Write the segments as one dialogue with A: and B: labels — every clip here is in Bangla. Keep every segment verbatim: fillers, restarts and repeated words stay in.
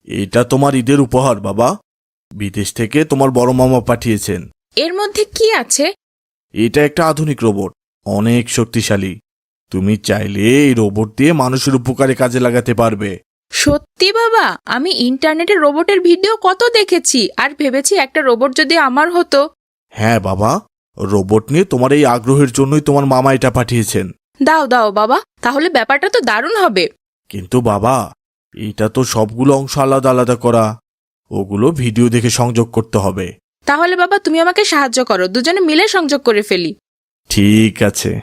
A: এটা তোমার ঈদের উপহার বাবা। বিদেশ থেকে তোমার বড় মামা পাঠিয়েছেন।
B: এর মধ্যে কি আছে?
A: এটা একটা আধুনিক রোবট, অনেক শক্তিশালী। তুমি চাইলে এই রোবট দিয়ে মানুষের উপকারে কাজে লাগাতে পারবে।
B: সত্যি বাবা? আমি ইন্টারনেটে রোবটের ভিডিও কত দেখেছি, আর ভেবেছি একটা রোবট যদি আমার হতো।
A: হ্যাঁ বাবা, রোবট নিয়ে তোমার এই আগ্রহের জন্যই তোমার মামা এটা পাঠিয়েছেন।
B: দাও দাও বাবা, তাহলে ব্যাপারটা তো দারুণ হবে।
A: কিন্তু বাবা, এটা তো সবগুলো অংশ আলাদা আলাদা করা, ওগুলো ভিডিও দেখে সংযোগ করতে হবে।
B: তাহলে বাবা তুমি আমাকে সাহায্য করো, দুজনে মিলে সংযোগ করে ফেলি।
A: ঠিক আছে।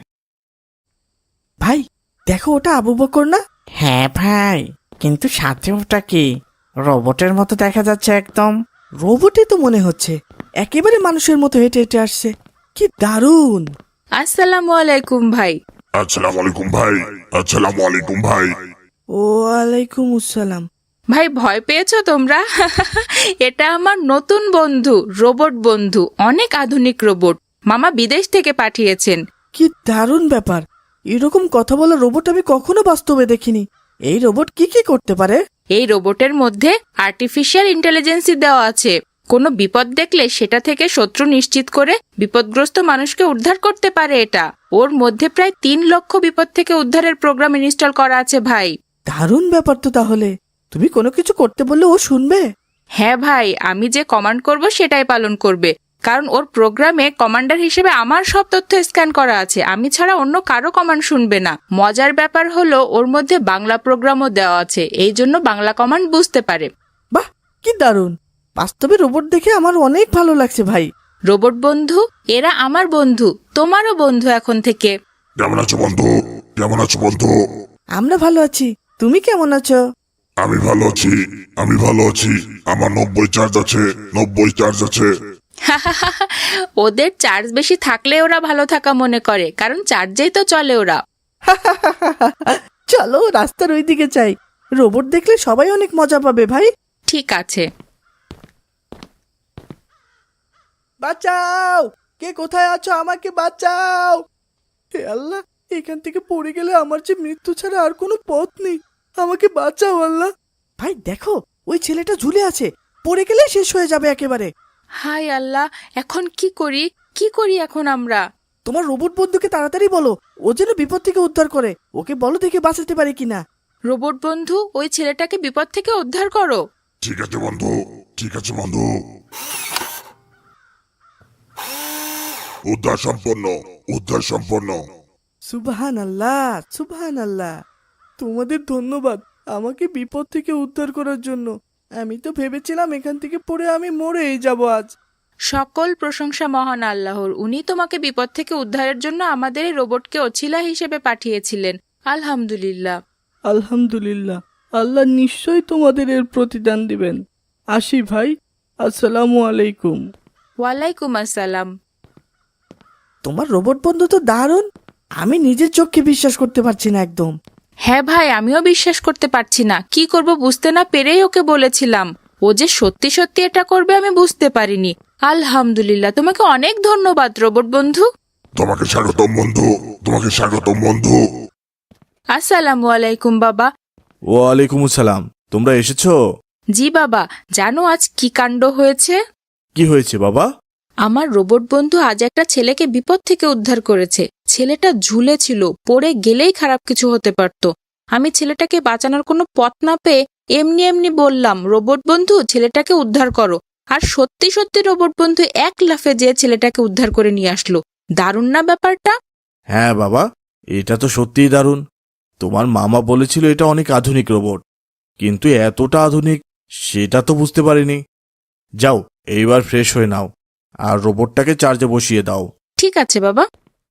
C: ভাই দেখো, ওটা আবু বকর না?
D: হ্যাঁ ভাই, কিন্তু সাথে ওটা কি? রোবটের মতো দেখা যাচ্ছে একদম।
C: রোবটই তো মনে হচ্ছে, একেবারে মানুষের মতো হেঁটে হেঁটে আসছে। কি দারুণ!
B: আসসালামু আলাইকুম ভাই।
E: আসসালামু আলাইকুম ভাই। আসসালামু আলাইকুম ভাই।
C: ওয়ালাইকুম আসসালাম।
B: ভাই ভয় পেয়েছো তোমরা? এটা আমার নতুন বন্ধু, রোবট বন্ধু, অনেক আধুনিক রোবট, মামা বিদেশ থেকে পাঠিয়েছেন।
C: কি দারুণ ব্যাপার! এরকম কথা বলা রোবট আমি কখনো বাস্তবে দেখিনি। এই রোবট কি কি করতে পারে?
B: এই রোবটের মধ্যে আর্টিফিশিয়াল ইন্টেলিজেন্সি দেওয়া আছে। কোনো বিপদ দেখলে সেটা থেকে শত্রু নিশ্চিত করে বিপদগ্রস্ত মানুষকে উদ্ধার করতে পারে এটা। ওর মধ্যে প্রায় তিন লক্ষ বিপদ থেকে উদ্ধারের প্রোগ্রাম ইনস্টল করা আছে ভাই।
C: দারুণ ব্যাপার তো তাহলে। তুমি কোনো কিছু করতে বললে ও শুনবে?
B: হ্যাঁ ভাই, আমি যে কমান্ড করব সেটাই পালন করবে, কারণ ওর প্রোগ্রামে কমান্ডার হিসেবে আমার সব তথ্য স্ক্যান করা আছে। আমি ছাড়া অন্য কারো কমান্ড শুনবে না। মজার ব্যাপার হলো ওর মধ্যে বাংলা প্রোগ্রামও দেওয়া আছে, এই জন্য বাংলা কমান্ড বুঝতে পারে।
C: বাহ, কি দারুণ! বাস্তবে রোবট দেখে আমার অনেক ভালো লাগছে ভাই।
B: রোবট বন্ধু, এরা আমার বন্ধু, তোমারও বন্ধু এখন থেকে।
E: কেমন আছো বন্ধু? কেমন আছো বন্ধু?
C: আমরা ভালো আছি, তুমি কেমন আছো?
E: আমি ভালো আছি। আমি ভালো আছি। আমার নব্বই চার্জ আছে। নব্বই চার্জ আছে।
B: ওদের চার্জ বেশি থাকলে ওরা ভালো থাকা মনে করে, কারণ চার্জেই তো চলে ওরা।
C: চলো রাস্তার ওই দিকে যাই, রোবট দেখলে সবাই অনেক মজা পাবে ভাই।
B: ঠিক আছে।
C: বাঁচাও! কে কোথায় আছো? আমাকে বাঁচাও! হে আল্লাহ, এখান থেকে পড়ে গেলে আমার যে মৃত্যু ছাড়া আর কোনো পথ নেই। আমাকে বাঁচাও আল্লাহ। ভাই দেখো, ওই ছেলেটা ঝুলে আছে, পড়ে গেলে শেষ হয়ে যাবে একেবারে।
B: হাই আল্লাহ, এখন কি করি? কি করি এখন আমরা?
C: তোমার রোবট বন্ধুকে তাড়াতাড়ি বলো, ও যেন বিপদ থেকে উদ্ধার করে। ওকে বলো দেখে বাঁচাতে পারে কিনা।
B: রোবট বন্ধু, ওই ছেলেটাকে বিপদ থেকে উদ্ধার করো।
E: ঠিক আছে বন্ধু। ঠিক আছে বন্ধু। উদ্ধার সম্পন্ন। উদ্ধার সম্পন্ন।
C: সুবহান আল্লাহ, সুবহান আল্লাহ। তোমাদের ধন্যবাদ আমাকে বিপদ থেকে উদ্ধার করার জন্য। আমি তো ভেবেছিলাম এখান থেকে পড়ে আমি মরেই যাব আজ।
B: সকল প্রশংসা মহান আল্লাহর, উনি তোমাকে বিপদ থেকে উদ্ধারের জন্য আমাদের এই রোবটকে ওছিলা হিসেবে পাঠিয়েছিলেন। আলহামদুলিল্লাহ।
C: আলহামদুলিল্লাহ, আল্লাহ নিশ্চয়ই তোমাদের এর প্রতিদান দিবেন। আসি ভাই, আসসালামু আলাইকুম।
B: ওয়ালাইকুম আসসালাম।
C: তোমার রোবট বন্ধু তো দারুণ, আমি নিজের চোখকে বিশ্বাস করতে পারছি না একদম।
B: হ্যাঁ ভাই, আমিও বিশ্বাস করতে পারছি না। কি করব বুঝতে না পেরেই ওকে বলেছিলাম। ও যে সত্যি সত্যি এটা করবে আমি বুঝতে পারিনি। আলহামদুলিল্লাহ, তোমাকে অনেক ধন্যবাদ রোবট বন্ধু।
E: তোমাকে স্বাগতম বন্ধু। তোমাকে স্বাগতম বন্ধু।
B: আসসালামু আলাইকুম বাবা।
A: ওয়ালাইকুম আসসালাম। তোমরা এসেছো?
B: জি বাবা, জানো আজ কি কাণ্ড হয়েছে?
A: কি হয়েছে বাবা?
B: আমার রোবট বন্ধু আজ একটা ছেলেকে বিপদ থেকে উদ্ধার করেছে। ছেলেটা ঝুলে ছিল, পড়ে গেলেই খারাপ কিছু হতে পারত। আমি ছেলেটাকে বাঁচানোর কোনো পথ না পেয়ে এমনি এমনি বললাম, রোবট বন্ধু ছেলেটাকে উদ্ধার করো। আর সত্যি সত্যি রোবট বন্ধু এক লাফে যেয়ে ছেলেটাকে উদ্ধার করে নিয়ে আসলো। দারুণ না ব্যাপারটা?
A: হ্যাঁ বাবা, এটা তো সত্যিই দারুণ। তোমার মামা বলেছিল এটা অনেক আধুনিক রোবট, কিন্তু এতটা আধুনিক সেটা তো বুঝতে পারিনি। যাও, এইবার ফ্রেশ হয়ে নাও আর রোবটটাকে চার্জে বসিয়ে দাও।
B: ঠিক আছে বাবা।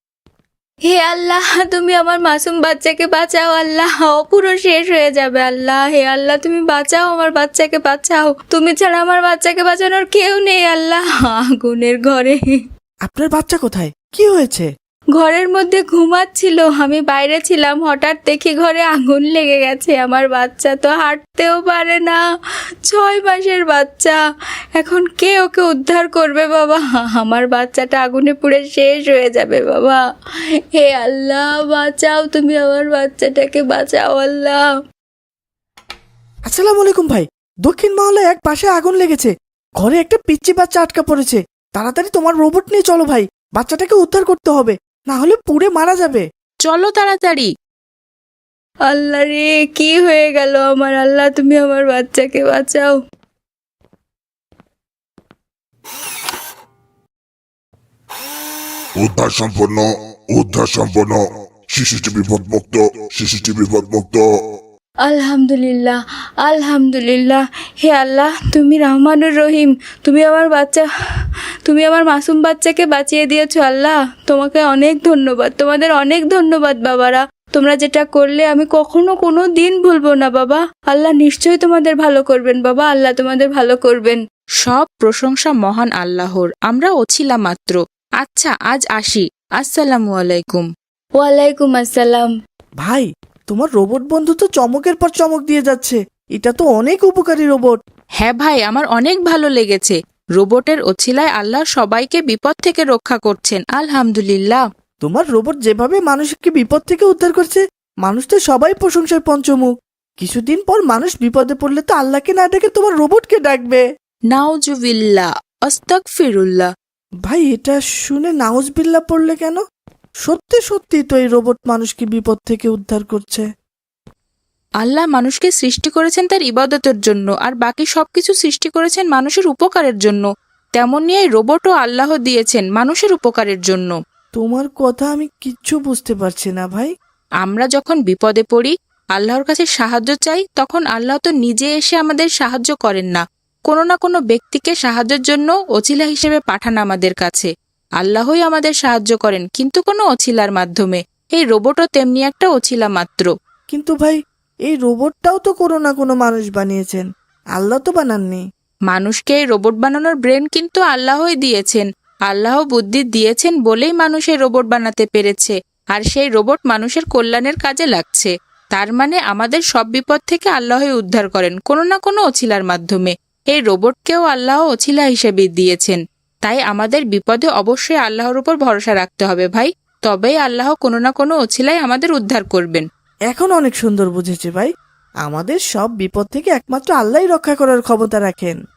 B: হে আল্লাহ, তুমি আমার মাসুম বাচ্চাকে বাঁচাও আল্লাহ, ও পুরো শেষ হয়ে যাবে আল্লাহ। হে আল্লাহ, তুমি বাঁচাও, আমার বাচ্চাকে বাঁচাও। তুমি ছাড়া আমার বাচ্চাকে বাঁচানোর কেউ নেই আল্লাহ। আগুনের ঘরে।
C: আপনার বাচ্চা কোথায়? কি হয়েছে?
B: ঘরের মধ্যে ঘুমাচ্ছিল, আমি বাইরে ছিলাম, হঠাৎ দেখি ঘরে আগুন লেগে গেছে। আমার বাচ্চা তো হাঁটতেও পারে না, ছয় মাসের বাচ্চা। এখন কে ওকে উদ্ধার করবে বাবা? আমার বাচ্চাটা আগুনে পুড়ে শেষ হয়ে যাবে বাবা। হে আল্লাহ, বাঁচাও, তুমি আমার বাচ্চাটাকে বাঁচাও আল্লাহ।
C: আসসালামু আলাইকুম ভাই, দক্ষিণ মহলে এক পাশে আগুন লেগেছে, ঘরে একটা পিচ্চি বাচ্চা আটকা পড়েছে। তাড়াতাড়ি তোমার রোবট নিয়ে চলো ভাই, বাচ্চাটাকে উদ্ধার করতে হবে, না হলে পুড়ে মারা যাবে।
B: চলো তাড়াতাড়ি।
F: আল্লাহ রে, কি হয়ে গেল আমার? আল্লাহ, তুমি আমার বাচ্চাকে বাঁচাও।
E: উদ্ধার সম্পন্ন, উদ্ধার সম্পন্ন। শিশুটি বিপদমুক্ত, শিশুটি বিপদমুক্ত।
F: আলহামদুলিল্লাহ, আলহামদুলিল্লাহ। হে আল্লাহ, তুমি রহমানুর রহিম। তুমি আমার বাচ্চা, তুমি আমার মাসুম বাচ্চাকে বাঁচিয়ে দিয়েছো আল্লাহ। তোমাকে অনেক ধন্যবাদ, তোমাদের অনেক ধন্যবাদ বাবারা। তোমরা যেটা করলে আমি কখনো কোনো দিন ভুলবো না বাবা। আল্লাহ নিশ্চয়ই তোমাদের ভালো করবেন বাবা, আল্লাহ তোমাদের ভালো করবেন।
B: সব প্রশংসা মহান আল্লাহর, আমরা ওছিলা মাত্র। আচ্ছা, আজ আসি। আসসালামু আলাইকুম।
F: ওয়ালাইকুম আসসালাম।
C: ভাই, তোমার রোবট বন্ধু তো চমকের পর চমক দিয়ে যাচ্ছে। এটা তো অনেক উপকারী রোবট।
B: হ্যাঁ ভাই, আমার অনেক ভালো লেগেছে। রোবটের ওছিলায় আল্লাহ সবাইকে বিপদ থেকে রক্ষা করছেন, আলহামদুলিল্লাহ।
C: তোমার রোবট যেভাবে মানুষকে বিপদ থেকে উদ্ধার করছে, মানুষ তো সবাই প্রশংসায় পঞ্চমুখ। কিছুদিন পর মানুষ বিপদে পড়লে তো আল্লাহকে না ডেকে তোমার রোবটকে ডাকবে।
B: নাউজুবিল্লাহ, আস্তাগফিরুল্লাহ।
C: ভাই, এটা শুনে নাউজবিল্লাহ পড়লে কেন? সত্যি সত্যি তো এই রোবট মানুষকে বিপদ থেকে উদ্ধার করছে।
B: আল্লাহ মানুষকে সৃষ্টি করেছেন তার ইবাদতের জন্য, আর বাকি সবকিছু সৃষ্টি করেছেন মানুষের উপকারের জন্য। তেমনি এই রোবটও আল্লাহ দিয়েছেন মানুষের উপকারের জন্য।
C: তোমার কথা আমি কিচ্ছু বুঝতে পারছি না ভাই।
B: আমরা যখন বিপদে পড়ি, আল্লাহর কাছে সাহায্য চাই, তখন আল্লাহ তো নিজে এসে আমাদের সাহায্য করেন না, কোনো না কোনো ব্যক্তিকে সাহায্যের জন্য ওছিলা হিসেবে পাঠান আমাদের কাছে। আল্লাহই আমাদের সাহায্য করেন, কিন্তু কোনো ওছিলার মাধ্যমে। এই রোবটও তেমনি একটা ওছিলা মাত্র।
C: কিন্তু ভাই, এই রোবটটাও তো কোনো না কোনো মানুষ বানিয়েছেন, আল্লাহ তো বানাননি।
B: মানুষকে এই রোবট বানানোর ব্রেন কিন্তু আল্লাহই দিয়েছেন। আল্লাহ বুদ্ধি দিয়েছেন বলেই মানুষ এই রোবট বানাতে পেরেছে, আর সেই রোবট মানুষের কল্যাণের কাজে লাগছে। তার মানে আমাদের সব বিপদ থেকে আল্লাহই উদ্ধার করেন, কোনো না কোনো ওছিলার মাধ্যমে। এই রোবটকেও আল্লাহ ওছিলা হিসেবে দিয়েছেন। তাই আমাদের বিপদে অবশ্যই আল্লাহর উপর ভরসা রাখতে হবে ভাই, তবেই আল্লাহ কোনো না কোনো ওছিলায় আমাদের উদ্ধার করবেন।
C: এখন অনেক সুন্দর বুঝেছি ভাই। আমাদের সব বিপদ থেকে একমাত্র আল্লাহই রক্ষা করার ক্ষমতা রাখেন।